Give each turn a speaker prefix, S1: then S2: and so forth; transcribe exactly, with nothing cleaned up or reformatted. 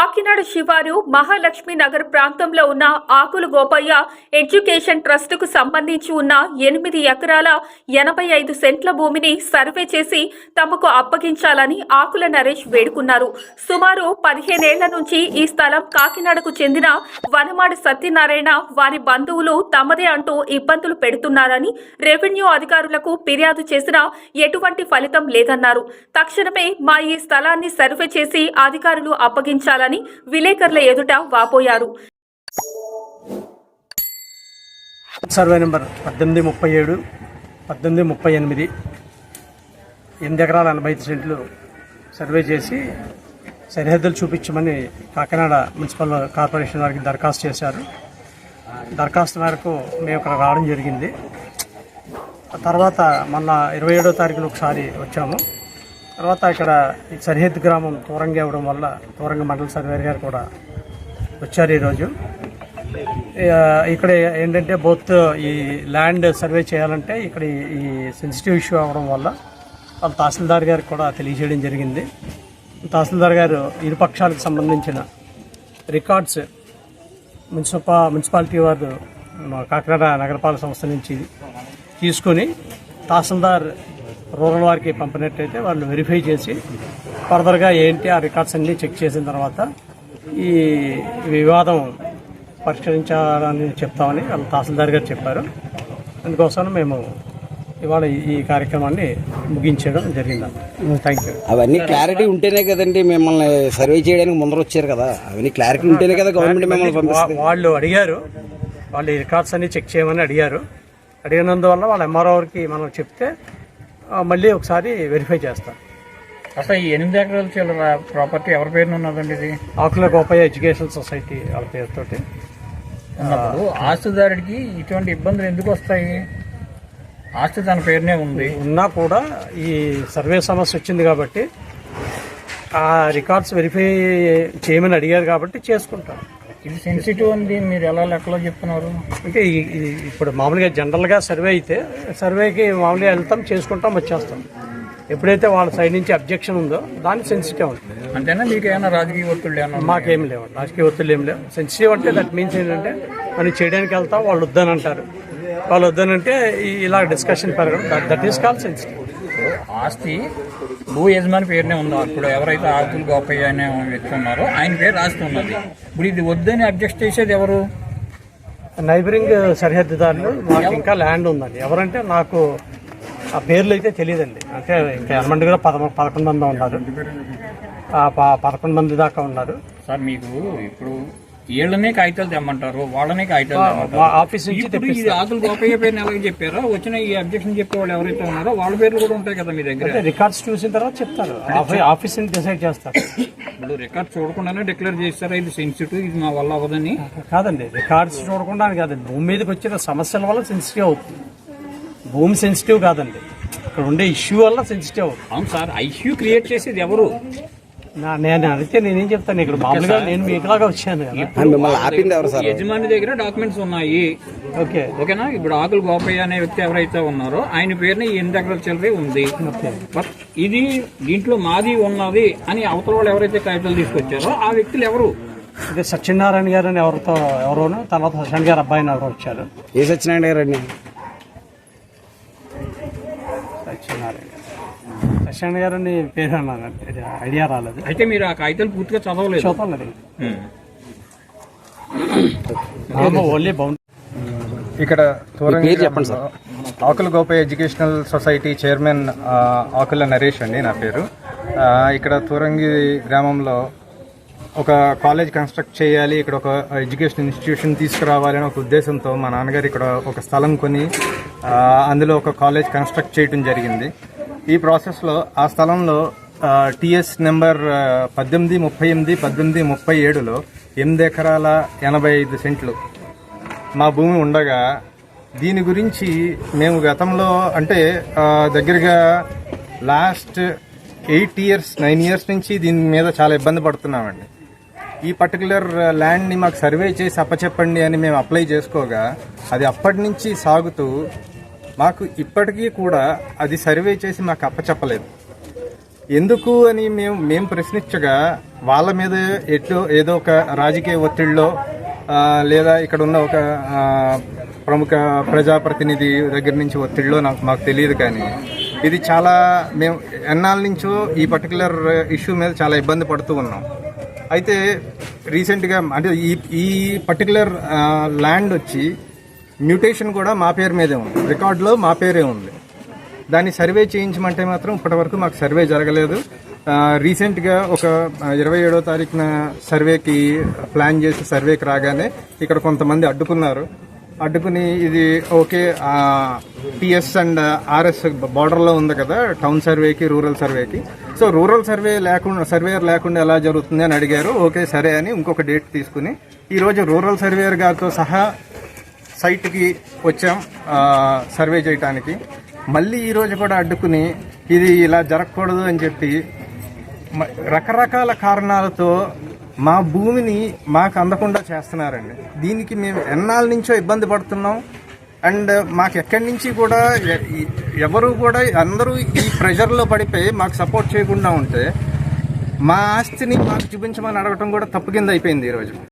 S1: కాకినాడ శివారు మహాలక్ష్మి నగర్ ప్రాంతంలో ఉన్న ఆకుల గోపయ్య ఎడ్యుకేషన్ ట్రస్ట్ కు సంబంధించి ఉన్న ఎనిమిది ఎకరాల ఎనభై ఐదు సెంట్ల భూమిని సర్వే చేసి తమకు అప్పగించాలని ఆకుల నరేష్ వేడుకున్నారు. సుమారు పదిహేనేళ్ల నుంచి ఈ స్థలం కాకినాడకు చెందిన వనమాడి సత్యనారాయణ వారి బంధువులు తమదే అంటూ ఇబ్బందులు పెడుతున్నారని రెవెన్యూ అధికారులకు ఫిర్యాదు చేసినా ఎటువంటి ఫలితం లేదన్నారు. తక్షణమే మా ఈ స్థలాన్ని సర్వే చేసి అధికారులు అప్పగించాలని విలేకరుల ఎదుట వాపోయారు.
S2: సర్వే నెంబర్ పద్దెనిమిది ముప్పై ఏడు పద్దెనిమిది ముప్పై ఎనిమిది ఎనిమిది ఎకరాల ఎనభై ఐదు సెంట్లు సర్వే చేసి సరిహద్దులు చూపించమని కాకినాడ మున్సిపల్ కార్పొరేషన్ వారికి దరఖాస్తు చేశారు. దరఖాస్తు మేరకు మేము ఇక్కడ రావడం జరిగింది. తర్వాత మొన్న ఇరవై ఏడో తారీఖున ఒకసారి వచ్చాము. తర్వాత ఇక్కడ సరిహద్దు గ్రామం తూరంగా ఇవ్వడం వల్ల తూరంగ మండల సర్వేర్ గారు కూడా వచ్చారు ఈరోజు. ఇక్కడ ఏంటంటే బోత్ ఈ ల్యాండ్ సర్వే చేయాలంటే ఇక్కడ ఈ సెన్సిటివ్ ఇష్యూ అవ్వడం వల్ల వాళ్ళ తహసీల్దార్ గారికి కూడా తెలియజేయడం జరిగింది. తహసీల్దార్ గారు ఇరు పక్షాలకు సంబంధించిన రికార్డ్స్ మున్సిపా మున్సిపాలిటీ వారు కాకినాడ నగరపాలక సంస్థ నుంచి తీసుకొని తహసీల్దార్ రూరల్ వారికి పంపినట్టయితే వాళ్ళు వెరిఫై చేసి ఫర్దర్గా ఏంటి ఆ రికార్డ్స్ అన్నీ చెక్ చేసిన తర్వాత ఈ వివాదం పరిష్కరించాలని చెప్తామని వాళ్ళు తహసీల్దార్ గారు చెప్పారు. అందుకోసం మేము ఇవాళ ఈ కార్యక్రమాన్ని ముగించడం జరిగింది. Thank you.
S3: అవన్నీ క్లారిటీ ఉంటేనే కదండి మిమ్మల్ని సర్వే చేయడానికి ముందర వచ్చారు కదా. అవన్నీ క్లారిటీ ఉంటేనే కదా గవర్నమెంట్ మిమ్మల్ని పంపిస్తుంది.
S2: వాళ్ళు అడిగారు, వాళ్ళు ఈ రికార్డ్స్ అన్ని చెక్ చేయమని అడిగారు. అడిగినందువల్ల వాళ్ళ ఎంఆర్ఓకి మనం చెప్తే మళ్ళీ ఒకసారి వెరిఫై చేస్తాం.
S4: అసలు ఈ ఎనిమిది ఎకరాల చిల్లర ప్రాపర్టీ ఎవరి పేరున ఉన్నదండి? ఇది
S2: ఆకుల గోపయ్య ఎడ్యుకేషన్ సొసైటీ వాళ్ళ పేరుతోటి
S4: ఉన్నప్పుడు ఆస్తిదారుడికి ఇటువంటి ఇబ్బందులు ఎందుకు వస్తాయి? ఆస్తి తన పేరునే ఉంది
S2: ఉన్నా కూడా ఈ సర్వే సమస్య వచ్చింది కాబట్టి ఆ రికార్డ్స్ వెరిఫై చేయమని అడిగారు కాబట్టి చేసుకుంటాం.
S4: ఇది సెన్సిటివ్ ఉంది, మీరు ఎలా లెక్కలో చెప్తున్నారు?
S2: అంటే ఇప్పుడు మామూలుగా జనరల్గా సర్వే అయితే సర్వేకి మామూలుగా వెళ్తాం, చేసుకుంటాం, వచ్చేస్తాం. ఎప్పుడైతే వాళ్ళ సైడ్ నుంచి అబ్జెక్షన్ ఉందో దాన్ని సెన్సిటివ్ ఉంటుంది.
S4: అంతేనా? మీకు ఏమైనా రాజకీయ ఒత్తిళ్ళు ఏమన్నా?
S2: మాకేం లేవు, రాజకీయ ఒత్తిళ్ళు ఏం లేవు. సెన్సిటివ్ అంటే దట్ మీన్స్ ఏంటంటే మనం చేయడానికి వెళ్తాం, వాళ్ళు వద్దని అంటారు. వాళ్ళు వద్దనంటే ఇలా డిస్కషన్ పెరగడం, దట్ ఈస్ కాల్ సెన్సిటివ్.
S4: ఆస్తి భూ యజమాని పేరునే ఉన్నారు. ఇప్పుడు ఎవరైతే ఆకులు గోపయ్య అనే వ్యక్తి ఉన్నారో ఆయన పేరు రాస్తూ ఉన్నది. ఇప్పుడు ఇది వద్దని అబ్జెక్ట్ చేసేది ఎవరు?
S2: నైబరింగ్ సరిహద్దుదారులు. మాకు ఇంకా ల్యాండ్ ఉందండి. ఎవరంటే నాకు ఆ పేర్లు అయితే తెలియదండి. అంటే ఇంకా ఎనమంది కూడా పద పదకొండు మంది ఉన్నారు, పదకొండు మంది దాకా ఉన్నారు.
S4: సార్ మీకు ఇప్పుడు వీళ్ళనే కాగితాలు తెమ్మంటారు, వాళ్ళనే కాగితాలు
S2: ఆఫీస్ నుంచి
S4: ఇది ఆకులు గోపయ్య పేరుని ఎలాగ చెప్పారో వచ్చిన ఈ అబ్జెక్షన్ చెప్పే వాళ్ళు ఎవరైతే ఉన్నారో వాళ్ళ పేర్లు కూడా ఉంటాయి కదా మీ దగ్గర.
S2: రికార్డ్స్ చూసిన తర్వాత చెప్తారు, ఆఫీస్ నుంచి డిసైడ్ చేస్తారు.
S4: ఇప్పుడు రికార్డ్స్ చూడకుండానే డిక్లేర్ చేస్తారా ఇది సెన్సిటివ్, ఇది మా వల్ల అవ్వదని?
S2: కాదండి, రికార్డ్స్ చూడకుండా కాదు, భూమి మీదకి వచ్చిన సమస్యల వల్ల సెన్సిటివ్ అవుతుంది. భూమి సెన్సిటివ్ కాదండి, ఇక్కడ ఉండే ఇష్యూ వల్ల సెన్సిటివ్ అవుతుంది.
S4: అవును సార్, ఆ ఇష్యూ క్రియేట్ చేసేది ఎవరు?
S2: నేను అడిగితే నేనేం చెప్తాను, ఇక్కడ మామూలుగా నేను మీకులాగా వచ్చాను కదా.
S4: యజమాని దగ్గర డాక్యుమెంట్స్ ఉన్నాయి,
S2: ఓకే
S4: ఓకేనా. ఇప్పుడు ఆకులు గోపయ్య అనే వ్యక్తి ఎవరైతే ఉన్నారో ఆయన పేరుని ఎనిమిది ఎకరాల చిల్లరే ఉంది. ఇది దీంట్లో మాది ఉన్నది అని అవతల వాళ్ళు ఎవరైతే కాగితాలు తీసుకొచ్చారో ఆ వ్యక్తులు ఎవరు?
S2: అంటే సత్యనారాయణ గారు అని ఎవరితో ఎవరోనో, తర్వాత సత్యనారాయణ గారు అబ్బాయిని ఎవరో వచ్చారు.
S3: ఏ సత్యనారాయణ గారు అండి?
S2: సత్యనారాయణ సత్యనారాయణ గారు అని పేరు అన్నారు, ఐడియా రాలేదు.
S4: అయితే మీరు ఆ కాగితాలు పూర్తిగా చదవలేదు?
S2: చదవలేదు. Only bound.
S5: ఇక్కడ చెప్పండి sir. Akula Gopayya educational society chairman Akula Naresh అండి నా పేరు. ఇక్కడ తూరంగి గ్రామంలో ఒక కాలేజ్ కన్స్ట్రక్ట్ చేయాలి, ఇక్కడ ఒక ఎడ్యుకేషన్ ఇన్స్టిట్యూషన్ తీసుకురావాలి అనే ఒక ఉద్దేశంతో మా నాన్నగారు ఇక్కడ ఒక స్థలం కొని అందులో ఒక కాలేజ్ కన్స్ట్రక్ట్ చేయడం జరిగింది. ఈ ప్రాసెస్లో ఆ స్థలంలో టిఎస్ నెంబర్ పద్దెనిమిది ముప్పై ఎనిమిది పద్దెనిమిది ముప్పై ఏడులో ఎనిమిది ఎకరాల ఎనభై ఐదు సెంట్లు మా భూమి ఉండగా దీని గురించి మేము గతంలో అంటే దగ్గరగా last eight years nine years నుంచి దీని మీద చాలా ఇబ్బంది పడుతున్నామండి. ఈ పర్టికులర్ ల్యాండ్ని మాకు సర్వే చేసి అప్పచెప్పండి అని మేము అప్లై చేసుకోగా అది అప్పటి నుంచి సాగుతూ మాకు ఇప్పటికీ కూడా అది సర్వే చేసి మాకు అప్పచెప్పలేదు. ఎందుకు అని మేము మేము ప్రశ్నించగా వాళ్ళ మీద ఎటు ఏదో ఒక రాజకీయ ఒత్తిడిలో ఆ, లేదా ఇక్కడ ఉన్న ఒక ఆ, ప్రముఖ ప్రజాప్రతినిధి దగ్గర నుంచి ఒత్తిడిలో నాకు మాకు తెలియదు, కానీ ఇది చాలా మేము ఎన్నాళ్ళ నుంచో ఈ పర్టికులర్ ఇష్యూ మీద చాలా ఇబ్బంది పడుతూ ఉన్నాం. అయితే రీసెంట్గా అంటే ఈ ఈ పర్టికులర్ ల్యాండ్ వచ్చి మ్యూటేషన్ కూడా మా పేరు మీదే ఉంది, రికార్డులో మా పేరే ఉంది. దాన్ని సర్వే చేయించమంటే మాత్రం ఇప్పటివరకు మాకు సర్వే జరగలేదు. రీసెంట్గా ఒక ఇరవై ఏడో తారీఖున సర్వేకి ప్లాన్ చేసి సర్వేకి రాగానే ఇక్కడ కొంతమంది అడ్డుకున్నారు. అడ్డుకుని ఇది ఓకే పిఎస్ అండ్ ఆర్ఎస్ బార్డర్లో ఉంది కదా టౌన్ సర్వేకి రూరల్ సర్వేకి, సో రూరల్ సర్వే లేకుండా సర్వేయర్ లేకుండా ఎలా జరుగుతుంది అని అడిగారు. ఓకే సరే అని ఇంకొక డేట్ తీసుకుని ఈరోజు రూరల్ సర్వేయర్ గారితో సహా సైట్కి వచ్చాం సర్వే చేయడానికి. మళ్ళీ ఈరోజు కూడా అడ్డుకుని ఇది ఇలా జరగకూడదు అని చెప్పి రకరకాల కారణాలతో మా భూమిని మాకు అందకుండా చేస్తున్నారండి. దీనికి మేము ఎన్నాళ్ళ నుంచో ఇబ్బంది పడుతున్నాం. అండ్ మాకు ఎక్కడి నుంచి కూడా ఎవరు కూడా అందరూ ఈ ప్రెషర్లో పడిపోయి మాకు సపోర్ట్ చేయకుండా ఉంటే మా ఆస్తిని మాకు చూపించమని అడగటం కూడా తప్పు కింద అయిపోయింది ఈరోజు.